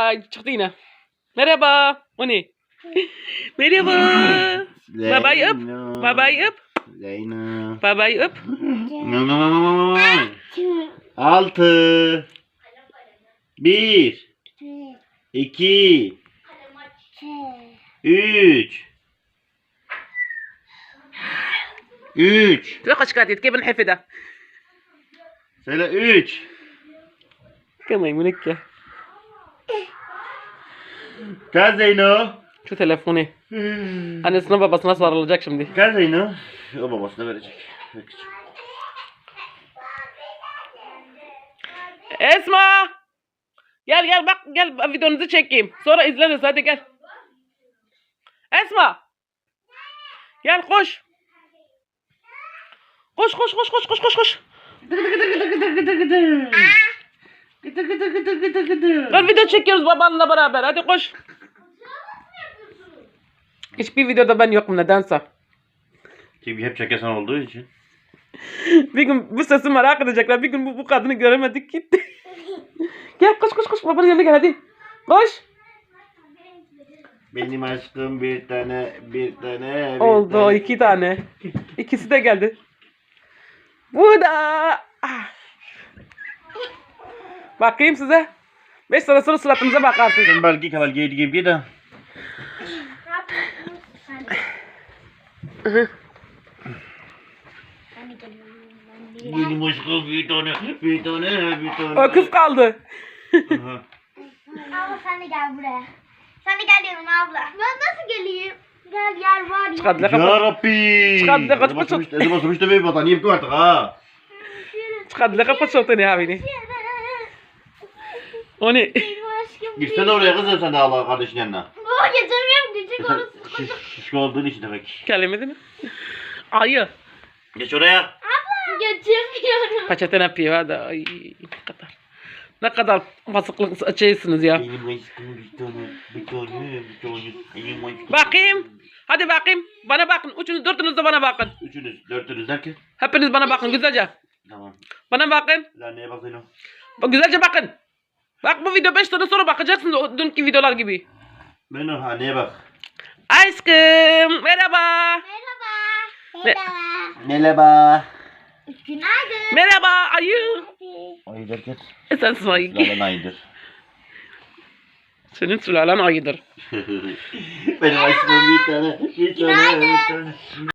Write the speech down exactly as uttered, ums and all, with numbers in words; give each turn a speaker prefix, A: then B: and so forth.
A: Ay çıktı yine. Merhaba. O ne? Merhaba. Babayı öp. Babayı öp.
B: Zeyno.
A: Babayı öp.
B: Altı. Bir. İki. Üç. Üç.
A: تلقى شكاتي كيف نحفدها
B: Söyle üç.
A: كما يمونك
B: Gel Zeyno.
A: Şu telefonu. Annesine babasına sarılacak şimdi.
B: Gel Zeyno. O babasına verecek.
A: Esma! Gel gel bak gel videonuzu çekeyim. Sonra izleriz hadi gel. Esma! Gel koş. Koş koş koş koş koş koş koş. Gel video çekiyoruz babanla beraber hadi koş. Hiçbir videoda ben yokum nedense.
B: Çünkü hep çekesen olduğu için.
A: Bir gün bu sesi merak edecekler. Bir gün bu, bu kadını göremedik gitti. Gel koş koş koş babanın yanına gel hadi. Koş.
B: Benim aşkım bir tane bir tane. Bir
A: Oldu
B: tane.
A: iki tane. İkisi de geldi. Bu da. Ah. Bakayım size. Beş sene sonra suratınıza bakarsınız.
B: Sen belki kavalgeye gibi de. Benim aşkım bir tane bir tane bir tane.
A: O kız kaldı.
B: Aha.
C: Abla sen de gel buraya. Sen de gel yanıma abla. Ben nasıl geleyim? Gel yer var ya.
A: Çıkardılar
B: Ya
A: kapat.
B: Rabbi.
A: Çıkardı, kaç- kaç-
B: Başlamış, elim başlamış da bir battaniye yaptı artık ha.
A: Çıkardılar kapat şortunu ya beni. O ne?
C: Benim aşkım.
B: Girsene oraya kızım sen de Allah kardeşin yanına.
C: Baba geçemiyorum küçük
B: Sen
C: orası.
B: şiş, şişko olduğun için demek.
A: Kelimedi mi? Ayı.
B: Geç oraya.
C: Abla. Geçemiyorum.
A: Peçete ne yapıyor hadi. Ay ne kadar. Ne kadar basıklık şeysiniz ya.
B: Benim aşkım bir tane bir tane bir tane. Benim aşkım.
A: Bakayım. Hadi bakayım. Bana bakın. Üçünüz dördünüz de bana bakın.
B: Üçünüz, dörtünüz derken.
A: Hepiniz bana bakın güzelce.
B: Tamam.
A: Bana bakın.
B: Lan neye bakıyorsun?
A: Bak güzelce bakın. Bak bu video beş sene sonra bakacaksınız o dünkü videolar gibi.
B: Ben o haneye bak.
A: Aşkım merhaba.
C: Merhaba.
A: Me-
B: Merhaba.
C: Günaydın.
A: Merhaba ayı.
B: Ayı derken.
A: E sensin ayı.
B: Lalan ayıdır.
A: Senin sülalen ayıdır.
B: Benim aşkım bir tane bir tane bir tane.